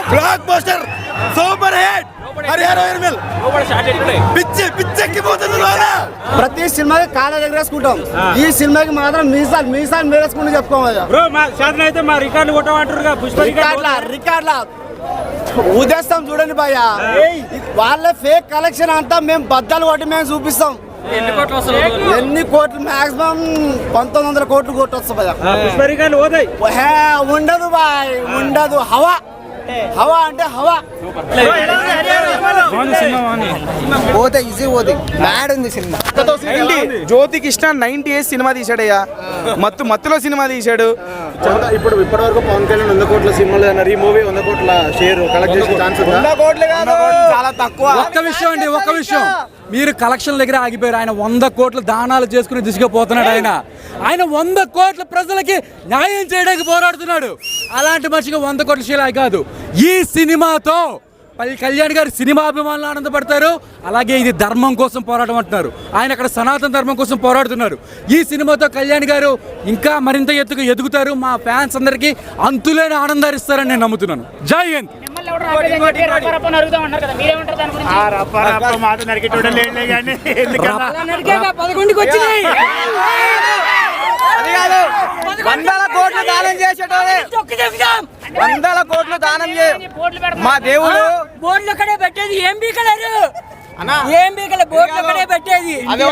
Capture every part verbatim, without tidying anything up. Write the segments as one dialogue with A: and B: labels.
A: Black buster super hit Harihara Veeramallu పిచ్చి పిచ్చెక్కిపోతుంది.
B: ప్రతి సినిమాకి కాళ్ళ దగ్గర వేసుకుంటాం, ఈ సినిమాకి మాత్రం మీసాలు మీసాలు మేరేసుకుంటూ చెప్పుకోవాలి. రికార్డ్ల ఉదేస్తాం చూడండి భయ్య, వాళ్ళ ఫేక్ కలెక్షన్ అంతా మేము బద్దలు కొట్టి మేము చూపిస్తాం. ఎన్ని కోట్లు మాక్సిమం పంతొమ్మిది వందల కోట్లు కోట్లు వస్తాయి భయ్య. ఉండదు బాయ్, ఉండదు. హవా హవా అంటే హవా పోతే ఈజీ పోతే బ్యాడ్ ఉంది cinema.
C: Jyothi Krishna ninety years cinema తీసాడయ్యా, మత్తు మత్తులో సినిమా తీశాడు.
D: ఇప్పుడు ఇప్పటి వరకు పవన్ కళ్యాణ్ వంద కోట్ల సినిమాలు అన్నారు, ఈ మూవీ వంద కోట్ల షేర్ కలెక్ట్ చేసే ఛాన్స్ ఉందా?
C: చాలా తక్కువ.
E: ఒక్క విషయం అండి, ఒక్క విషయం, మీరు కలెక్షన్ దగ్గర ఆగిపోయారు. ఆయన వంద కోట్ల దానాలు చేసుకుని దిశపోతున్నాడు. ఆయన ఆయన వంద కోట్ల ప్రజలకి న్యాయం చేయడానికి పోరాడుతున్నాడు. అలాంటి మనిషికి వంద కోట్ల శీలాయి కాదు. ఈ సినిమాతో పల్లి కళ్యాణ్ గారు సినిమా అభిమానులు ఆనందపడతారు. అలాగే ఇది ధర్మం కోసం పోరాటం అంటున్నారు. ఆయన అక్కడ సనాతన ధర్మం కోసం పోరాడుతున్నారు. ఈ సినిమాతో కళ్యాణ్ గారు ఇంకా మరింత ఎత్తుకు ఎదుగుతారు. మా ఫ్యాన్స్ అందరికీ అంతులేని ఆనందాన్ని ఇస్తారని నేను నమ్ముతున్నాను. జై హింద్.
B: పదకొండుకి వచ్చినాయి వందల కోట్లు దానం చేసేటోడే, వందల కోట్లు దానం చే మా దేవుడు
F: బోర్డులు అక్కడే పెట్టేది. ఏం బీకలేరు, ఏం బీకలే, బోర్డులు అక్కడే పెట్టేది.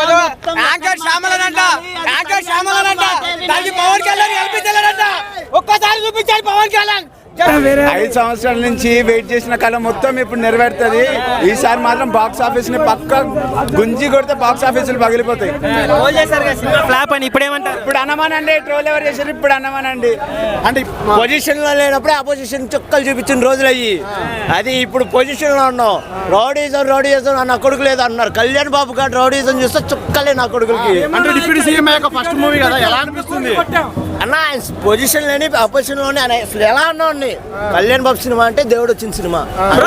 B: పవన్ కళ్యాణ్ కల్పించలేదంట, ఒక్కసారి చూపించాడు పవన్ కళ్యాణ్.
C: ఐదు సంవత్సరాల నుంచి వెయిట్ చేసిన కళ మొత్తం ఇప్పుడు నెరవేరుతుంది. ఈసారి మాత్రం బాక్స్ ఆఫీస్ ని పక్క గుంజి కొడితే బాక్స్ ఆఫీసులు పగిలిపోతాయి.
B: ఫ్లాప్ అని ఇప్పుడు ఏమంటారు?
C: ఇప్పుడు అన్నమానండి, ట్రోల్ ఎవరు చేశారు? ఇప్పుడు అన్నమానండి
B: అంటే పొజిషన్ లో లేనప్పుడే అపోజిషన్ చుక్కలు చూపించిన రోజులు అయ్యి, అది ఇప్పుడు పొజిషన్ లో ఉన్నాం. రౌడీజం రౌడీజం నా కొడుకు లేదు అన్నారు. కళ్యాణ్ బాబు గారు రౌడీజం చూస్తే చుక్కలే నా కొడుకులకి.
D: అంటే డిప్యూటీ సీఎం యొక్క ఫస్ట్ మూవీ కదా, ఎలా అనిపిస్తుంది
B: అన్న? పొజిషన్ లేని అపోజిషన్ లోనే ఎలా ఉన్నా ఉండి. కళ్యాణ్ బాబు సినిమా అంటే దేవుడు వచ్చిన సినిమా.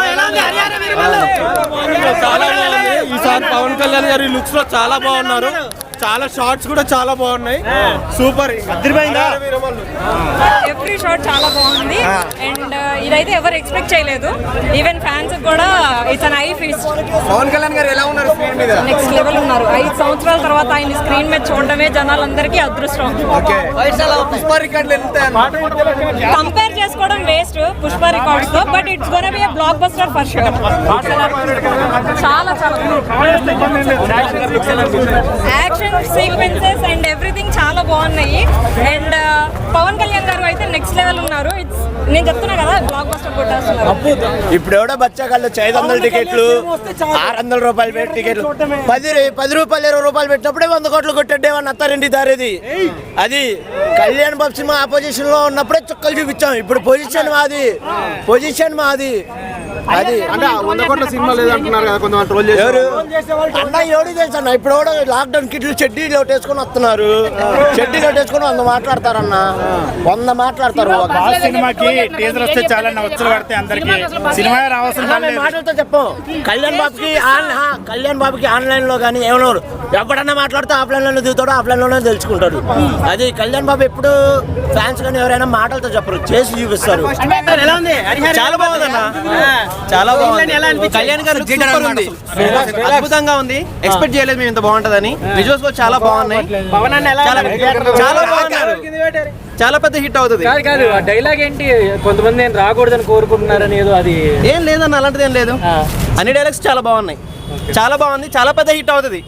D: ఈసారి పవన్ కళ్యాణ్ గారి లుక్స్ లో చాలా బాగున్నారు, చాలా షార్ట్స్ కూడా చాలా బాగున్నాయి. సూపర్,
F: ఎవ్రీ షాట్ చాలా బాగుంది. అండ్ ఇదైతే ఎవరు ఎక్స్పెక్ట్ చేయలేదు. ఈవెన్ ఫ్యాన్స్ కూడా it's an eye feast.
C: Pawan Kalyan garu ఎలా ఉన్నారు స్క్రీన్ మీద?
F: నెక్స్ట్ లెవెల్ ఉన్నారు. ఐదు సంవత్సరాల తర్వాత ఆయన స్క్రీన్ మీద చూడడమే జనాలందరికీ అదృష్టం.
C: పుష్ప రికార్డులు
F: కంపేర్ చేసుకోవడం వేస్ట్ పుష్ప రికార్డ్స్ తో, but it's gonna be a block buster for sure. చాలా చాలా యాక్షన్ సీక్వెన్సెస్ అండ్ ఎవ్రీథింగ్ చాలా బాగున్నాయి. అండ్ పవన్ కళ్యాణ్ గారు అయితే నెక్స్ట్ లెవెల్ ఉన్నారు. ఇట్స్ నేను చెప్తున్నా కదా, బ్లాక్ బస్టర్ కొట్టేస్తున్నారు.
B: ఇప్పుడు ఎవడో బచ్చాగాళ్ళు ఐదు వందల టికెట్లు, ఆరు వందల రూపాయలు పెట్టి టికెట్లు పది పది రూపాయలు ఇరవై రూపాయలు పెట్టినప్పుడే వంద కోట్లు కొట్టేవాడిని అత్తారింటి దారేది. అది కళ్యాణ్ బాబు సినిమా ఆపోజిషన్ లో ఉన్నప్పుడే చుక్కలు చూపించాం. ఇప్పుడు పొజిషన్ మాది, పొజిషన్ మాది. అది
D: అంటే వంద కోట్ల సినిమా లేదంటున్నారు కదా కొంతమంది ట్రోల్ చేశారు.
B: అన్న ఎవడు తెలుసు అన్న, ఇప్పుడు కూడా లాక్డౌన్ కిట్లు చెడ్డీ లోటేసుకొని వస్తున్నారు. చెడ్డీ లోటేసుకొని వంద మాట్లాడతారన్న, వంద మాట్లాడతారు.
D: సినిమాకి టీజర్ వస్తే చాలా వచ్చలు పడితే అందరికి సినిమా రావాల్సిన
B: మాటలతో చెప్పం. కళ్యాణ్ బాబుకి కళ్యాణ్ బాబుకి ఆన్లైన్ లో కానీ ఏమన్నా ఎవడన్నా మాట్లాడితే ఆఫ్లైన్ లోనే దిగుతాడు, ఆఫ్లైన్ లోనే తెలుసుకుంటాడు. అది కళ్యాణ్ బాబు ఎప్పుడు ఫ్యాన్స్ కానీ ఎవరైనా మాటలతో చెప్పరు, చేసి చూపిస్తారు.
G: చాలా బాగుందన్న, చాలా బాగుంది. కళ్యాణ్ గారు సూపర్ ఉంది, అద్భుతంగా ఉంది. ఎక్స్పెక్ట్ చేయలేదు మేము ఇంత బాగుంటదని. విజువల్స్ కూడా చాలా బాగున్నాయి. చాలా బాగున్నారు, చాలా పెద్ద హిట్ అవుతుంది.
H: డైలాగ్ ఏంటి, కొంతమంది రాకూడదని కోరుకుంటున్నారని ఏదో, అది
G: ఏం లేదన్న, అలాంటిది ఏం లేదు. అన్ని డైలాగ్స్ చాలా బాగున్నాయి, చాలా బాగుంది, చాలా పెద్ద హిట్ అవుతుంది.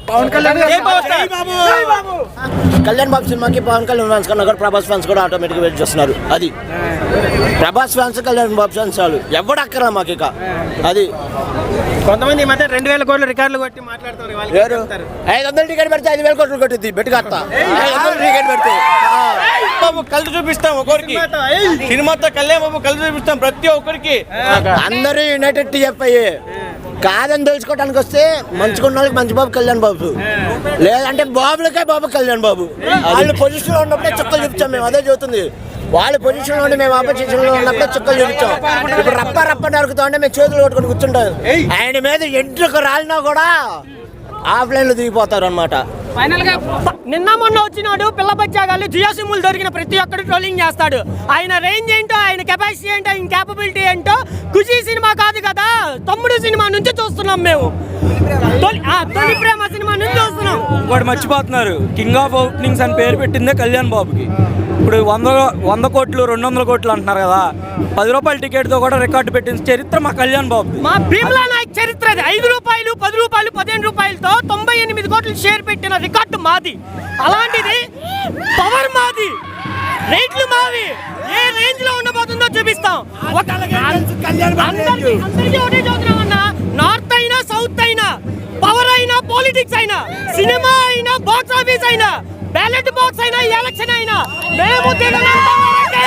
B: కళ్యాణ్ బాబు సినిమాకి పవన్ కళ్యాణ్ ఫ్యాన్స్ కన్నా కూడా ప్రభాస్ ఫ్యాన్స్ కూడా ఆటోమేటిక్ వెయిట్ చేస్తున్నారు. అది ప్రభాస్ ఫ్యాన్స్ కళ్యాణ్ బాబు ఫ్యాన్స్ చాలు, ఎవడు అక్కరా మాకు ఇక. అది
G: కొంతమంది మధ్య రెండు వేల కోట్ల రికార్డులు కొట్టి మాట్లాడుతున్నారు.
B: ఐదు వందల టికెట్ పెడితే ఐదు వేల కోట్లు కొట్టింది బెట్టు కత్తా. ఐదు వందల టికెట్ పెడితే
G: బాబు కలిసి చూపిస్తాం ఒక్కరికి, సినిమాతో కళ్యాణ్ బాబు కలిసి చూపిస్తాం ప్రతి ఒక్కరికి.
B: అందరూ యునైటెడ్ టీఎఫ్ఐ కాదని తెలుసుకోవడానికి వస్తే మంచుకున్న వాళ్ళకి మంచి బాబు కళ్యాణ్ బాబు, లేదంటే బాబులకే బాబు కళ్యాణ్ బాబు. వాళ్ళు పొజిషన్ లో ఉన్నప్పుడే చుక్కలు చూపించాం మేము, అదే చెబుతుంది. వాళ్ళ పొజిషన్ లో మేము ఆపోజిషన్ లో ఉన్నప్పుడే చుక్కలు చూపించాం. ఇప్పుడు రప్ప రప్ప నరుకుతా ఉంటే మేము చేతులు కొట్టుకొని కూర్చుంటాం. ఆయన మీద ఎంట్రుకు రాలినా కూడా ఆఫ్లైన్ లో దిగిపోతారు అనమాట.
H: ఫైనల్ గా
I: నిన్న మొన్న వచ్చినాడు పిల్ల బచ్చాగాళ్ళు జియో సిమ్ములు దొరికిన ప్రతి ఒక్కరు ట్రోలింగ్ చేస్తాడు. ఆయన రేంజ్ ఏంటో, ఆయన కెపాసిటీ ఏంటో, ఆయన క్యాపబిలిటీ ఏంటో ఖుషి సినిమా కాదు కదా, తమ్ముడు సినిమా నుంచి చూస్తున్నాం మేము. తొలి ఆ, తొలి ప్రేమ సినిమా నుంచి చూస్తున్నాం.
J: ఇంకోటి మర్చిపోతున్నారు, కింగ్ ఆఫ్ ఓపెనింగ్స్ అని పేరు పెట్టిందే కళ్యాణ్ బాబుకి. ఇప్పుడు వంద వంద కోట్లు రెండు వందల కోట్లు అంటున్నారు కదా, పది రూపాయల టికెట్తో కూడా రికార్డు పెట్టిన చరిత్ర మా కళ్యాణ్ బాబు.
I: మా భీమ్లా నాయక్ చరిత్ర అది. ఐదు రూపాయలు పది రూపాయలు పదిహేను రూపాయలతో తొంభై ఎనిమిది కోట్లు షేర్ పెట్టిన రికార్డు మాది. అలాంటిది పవర్ మాది, రేట్లు మావి. ఏ రేంజ్ లో ఉండబోతుందో చూపిస్తాం. ఒక- అందరికీ అందరికీ ఒకటే చదువుతున్నామన్నా, నార్త్ అయినా సౌత్ అయినా, పవర్ అయినా పాలిటిక్స్ అయినా, సినిమా అయినా బాక్స్ ఆఫీస్ అయినా, బ్యాలెట్ బాక్స్ అయినా, ఎలక్షన్ అయినా మేము తిననంత వరకే.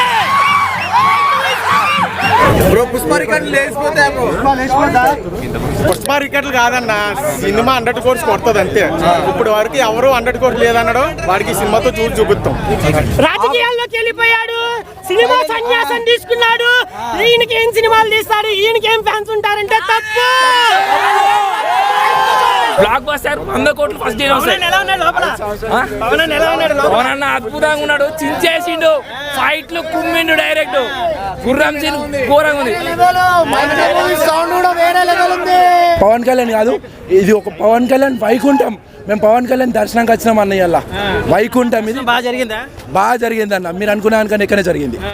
A: బ్రో పుష్ప రికార్డులు లేచిపోతే పుష్ప రికార్డులు కాదన్న, సినిమా హండ్రెడ్ కోర్స్ కొడుతుంది అంతే. ఇప్పుడు వరకు ఎవరు హండ్రెడ్ కోర్స్ లేదన్నాడు, వాడికి ఈ సినిమాతో చూసి చూపిస్తాం.
I: రాజకీయాల్లోకి వెళ్ళిపోయాడు, సినిమా సన్యాసం తీసుకున్నాడు. ఈయనకి ఏం సినిమాలు తీస్తాడు, ఈయనకి ఏం ఫ్యాన్స్ ఉంటారంటే తప్పు.
J: బ్లాక్ బస్టర్ వంద కోట్లు ఫస్ట్ డే పవన్ అద్భుతంగా ఉన్నాడు, చించేసిండు, ఫైట్లు కుమ్మిండు డైరెక్ట్. గుర్రం సీన్ ఘోరంగా ఉంది.
E: పవన్ కళ్యాణ్ కాదు, ఇది ఒక పవన్ కళ్యాణ్ వైకుంఠం. మేము పవన్ కళ్యాణ్ దర్శనానికి వచ్చినాం అన్నయ్య వైకుంఠం. ఇది
G: బాగా జరిగిందా?
E: బాగా జరిగింది అన్న, మీరు అనుకున్న దానికన్నా ఎక్కడే జరిగింది.